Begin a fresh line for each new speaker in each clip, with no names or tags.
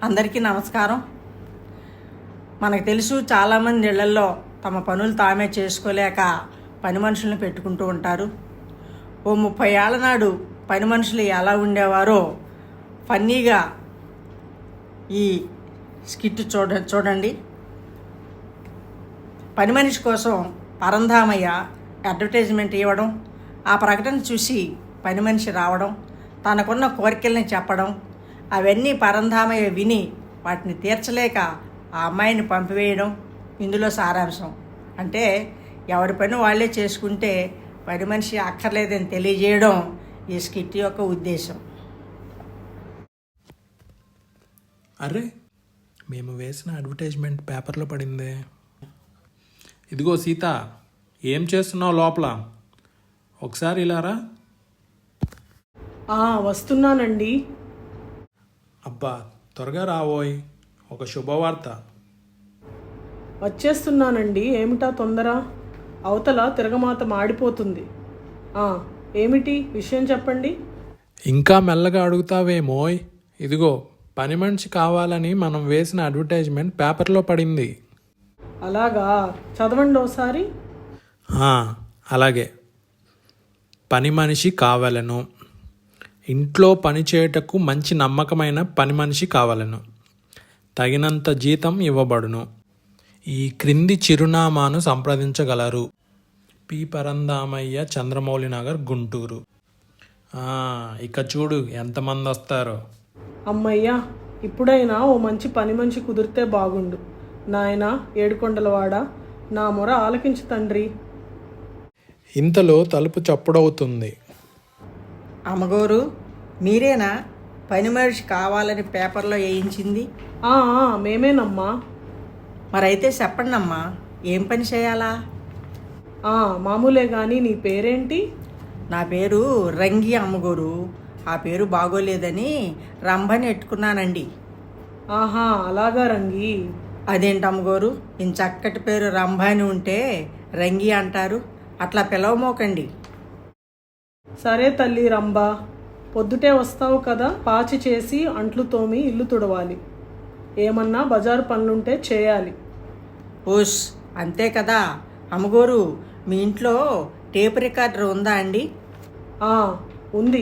అందరికీ నమస్కారం. మనకు తెలుసు చాలామంది ఇళ్లల్లో తమ పనులు తామే చేసుకోలేక పని మనుషులను పెట్టుకుంటూ ఉంటారు. ఓ 30 ఏళ్ల నాడు పని మనుషులు ఎలా ఉండేవారో ఫన్నీగా ఈ స్కిట్ చూడండి. పని మనిషి కోసం పరంధామయ్య అడ్వర్టైజ్మెంట్ ఇవ్వడం, ఆ ప్రకటన చూసి పని మనిషి రావడం, తనకున్న కోరికల్ని చెప్పడం, అవన్నీ పరంధామయ్య విని వాటిని తీర్చలేక ఆ అమ్మాయిని పంపివేయడం ఇందులో సారాంశం. అంటే ఎవరి పని వాళ్ళే చేసుకుంటే పని మనిషి అక్కర్లేదని తెలియజేయడం ఈ స్కిట్ యొక్క ఉద్దేశం.
అరే, మేము వేసిన అడ్వర్టైజ్మెంట్ పేపర్లో పడిందే. ఇదిగో సీత, ఏం చేస్తున్నావు లోపల? ఒకసారి ఇలారా.
వస్తున్నానండి.
అబ్బా, త్వరగా రావోయ్, ఒక శుభవార్త.
వచ్చేస్తున్నానండి. ఏమిటా తొందర? అవతల తిరగమాత మాడిపోతుంది. ఏమిటి విషయం చెప్పండి.
ఇంకా మెల్లగా అడుగుతావేమోయ్. ఇదిగో, పని మనిషి కావాలని మనం వేసిన అడ్వర్టైజ్మెంట్ పేపర్లో పడింది.
అలాగా, చదవండి ఒకసారి.
అలాగే. పని మనిషి కావాలను. ఇంట్లో పని చేయుటకు మంచి నమ్మకమైన పని మనిషి కావాలను. తగినంత జీతం ఇవ్వబడును. ఈ క్రింది చిరునామాను సంప్రదించగలరు. పి పరంధామయ్య, చంద్రమౌళి నగర్, గుంటూరు. ఇక చూడు ఎంతమంది వస్తారో.
అమ్మయ్యా, ఇప్పుడైనా ఓ మంచి పని మనిషి కుదిరితే బాగుండు. నాయనా ఏడుకొండలవాడ, నా మొర ఆలకించు తండ్రి.
ఇంతలో తలుపు చప్పుడవుతుంది.
అమ్మగోరు, మీరేనా పని మనిషి కావాలని పేపర్లో వేయించింది?
మేమేనమ్మా.
మరైతే చెప్పండి అమ్మా, ఏం పని చేయాలా?
మామూలే కానీ నీ పేరేంటి?
నా పేరు రంగి అమ్మగోరు. ఆ పేరు బాగోలేదని రంభని ఎట్టుకున్నానండి.
అలాగా రంగి.
అదేంటి అమ్మగోరు, ఇంత చక్కటి పేరు రంభ అని ఉంటే రంగి అంటారు? అట్లా పిలవమోకండి.
సరే తల్లి రంభ, పొద్దుటే వస్తావు కదా, పాచి చేసి అంట్లు తోమి ఇల్లు తుడవాలి. ఏమన్నా బజారు పనులుంటే చేయాలి.
ఓస్, అంతే కదా. అమ్మగోరు, మీ ఇంట్లో టేప్ రికార్డర్ ఉందా అండి?
ఉంది.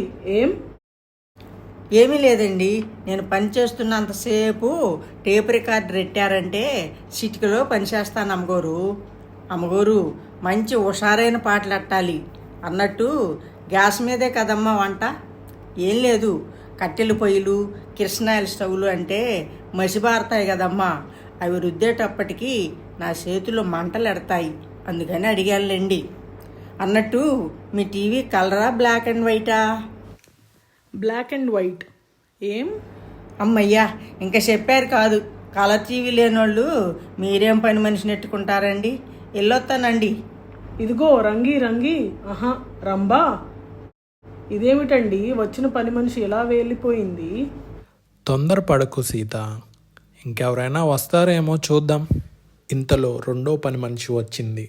ఏమీ లేదండి. నేను పని చేస్తున్నంతసేపు టేప్ రికార్డర్ పెట్టారంటే చిటికలో పనిచేస్తాను అమ్మగోరు. అమ్మగోరు, మంచి హుషారైన పాటలు అట్టాలి అన్నట్టు గ్యాస్ మీదే కదమ్మా వంట. ఏం లేదు, కట్టెల పొయ్యిలు, కిరసనాయిల స్టవ్లు అంటే మసిబారుతాయి కదమ్మా. అవి రుద్దేటప్పటికి నా చేతులు మంటలు ఎడతాయి. అందుకని అడిగానులేండి. అన్నట్టు మీ టీవీ కలరా, బ్లాక్ అండ్ వైటా?
Black and white.
అమ్మయ్యా, ఇంకా చెప్పారు కాదు. కలర్ టీవీ లేనోళ్ళు మీరేం పని మనిషిని నెట్టుకుంటారండి. వెళ్ళొస్తానండి.
ఇదిగో రంగి రంగి. రంభా, ఇదేమిటండి వచ్చిన పని మనిషి ఎలా వెళ్ళిపోయింది?
తొందరపడకు సీత, ఇంకెవరైనా వస్తారేమో చూద్దాం. ఇంతలో రెండో పని మనిషి వచ్చింది.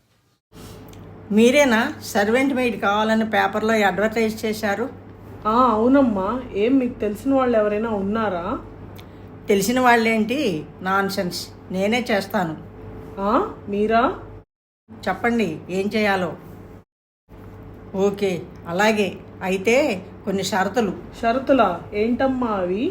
మీరేనా సర్వెంట్ మెయిడ్ కావాలని పేపర్లో అడ్వర్టైజ్ చేశారు?
అవునమ్మా. మీకు తెలిసిన వాళ్ళు ఎవరైనా ఉన్నారా?
తెలిసిన వాళ్ళేంటి, నాన్ సెన్స్. నేనే చేస్తాను.
మీరా?
చెప్పండి ఏం చేయాలో. ఓకే, అలాగే. అయితే కొన్ని షరతులు.
షరతులా? ఏంటమ్మా అవి?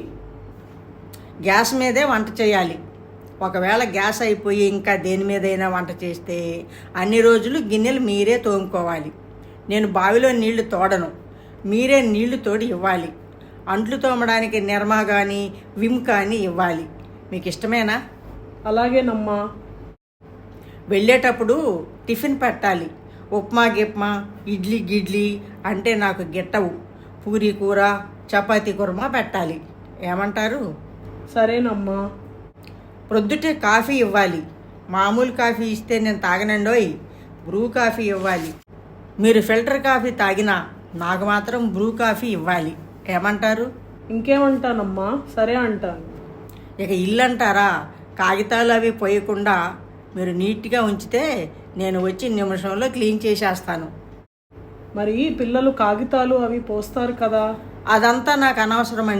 గ్యాస్ మీదే వంట చేయాలి. ఒకవేళ గ్యాస్ అయిపోయి ఇంకా దేని మీదైనా వంట చేస్తే అన్ని రోజులు గిన్నెలు మీరే తోముకోవాలి. నేను బావిలో నీళ్లు తోడను, మీరే నీళ్లు తోడి ఇవ్వాలి. అంట్లు తోమడానికి నిర్మా కానీ విమ్ కానీ ఇవ్వాలి. మీకు ఇష్టమేనా?
అలాగేనమ్మా.
వెళ్ళేటప్పుడు టిఫిన్ పెట్టాలి. ఉప్మా గిప్మా, ఇడ్లీ గిడ్లీ అంటే నాకు గిట్టవు. పూరీ కూర, చపాతీ కుర్మా పెట్టాలి. ఏమంటారు?
సరేనమ్మా.
ప్రొద్దుటే కాఫీ ఇవ్వాలి. మామూలు కాఫీ ఇస్తే నేను తాగనండోయ్, బ్రూ కాఫీ ఇవ్వాలి. మీరు ఫిల్టర్ కాఫీ తాగినా నాకు మాత్రం బ్రూ కాఫీ ఇవ్వాలి. ఏమంటారు?
ఇంకేమంటానమ్మా, సరే అంటాను.
ఇక ఇల్లు అంటారా? కాగితాలు అవి పోయకుండా మీరు నీట్గా ఉంచితే నేను వచ్చి నిమిషంలో క్లీన్ చేసేస్తాను.
మరి పిల్లలు కాగితాలు అవి పోస్తారు కదా?
అదంతా నాకు అనవసరం అండి.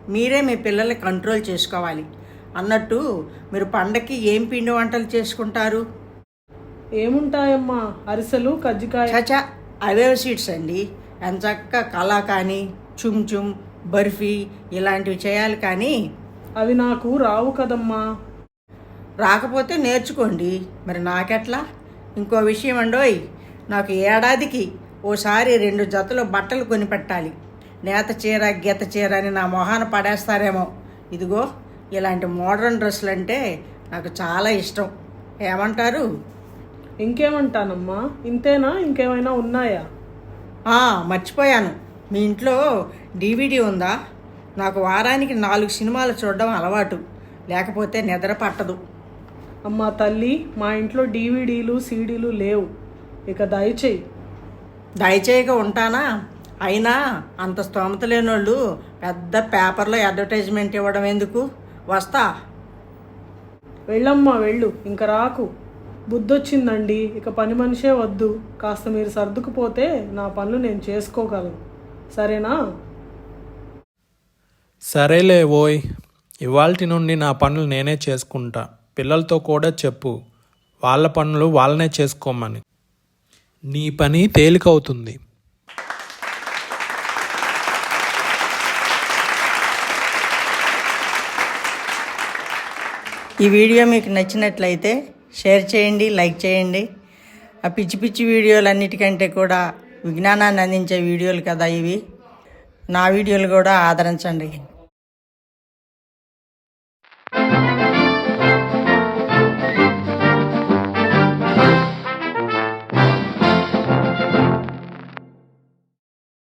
మీరే మీ పిల్లల్ని కంట్రోల్ చేసుకోవాలి. అన్నట్టు మీరు పండక్కి ఏం పిండి వంటలు చేసుకుంటారు?
ఏముంటాయమ్మా, అరిసెలు, కజ్జికాయ.
చచా, అవే స్వీట్స్ అండి. ఎంచక్క కలాకాని, చుమ్ బర్ఫీ ఇలాంటివి చేయాలి. కానీ
అవి నాకు రావు కదమ్మా.
రాకపోతే నేర్చుకోండి. మరి నాకెట్లా? ఇంకో విషయం అండోయ్, నాకు ఏడాదికి ఓసారి 2 జతలు బట్టలు కొనిపెట్టాలి. నేత చీర గీత చీర అని నా మొహాన పడేస్తారేమో. ఇదిగో ఇలాంటి మోడర్న్ డ్రెస్సులు అంటే నాకు చాలా ఇష్టం. ఏమంటారు?
ఇంకేమంటానమ్మా, ఇంతేనా? ఇంకేమైనా ఉన్నాయా?
మర్చిపోయాను. మీ ఇంట్లో DVD ఉందా? నాకు వారానికి 4 సినిమాలు చూడడం అలవాటు. లేకపోతే నిద్ర పట్టదు.
అమ్మా తల్లి, మా ఇంట్లో DVDలు CDలు లేవు. ఇక
దయచేయక ఉంటానా? అయినా అంత స్తోమత లేనోళ్ళు పెద్ద పేపర్లో అడ్వర్టైజ్మెంట్ ఇవ్వడం ఎందుకు? వస్తా.
వెళ్ళమ్మా వెళ్ళు, ఇంక రాకు. బుద్ధొచ్చిందండి, ఇక పని మనిషే వద్దు. కాస్త మీరు సర్దుకుపోతే నా పనులు నేను చేసుకోగలను, సరేనా?
సరేలే ఓయ్, ఇవాల్టి నుండి నా పనులు నేనే చేసుకుంటా. పిల్లలతో కూడా చెప్పు వాళ్ళ పనులు వాళ్ళనే చేసుకోమని. నీ పని తేలికవుతుంది.
ఈ వీడియో మీకు నచ్చినట్లయితే షేర్ చేయండి, లైక్ చేయండి. ఆ పిచ్చి పిచ్చి వీడియోలన్నిటికంటే కూడా విజ్ఞానాన్ని అందించే వీడియోలు కదా ఇవి. నా వీడియోలు కూడా ఆదరించండి.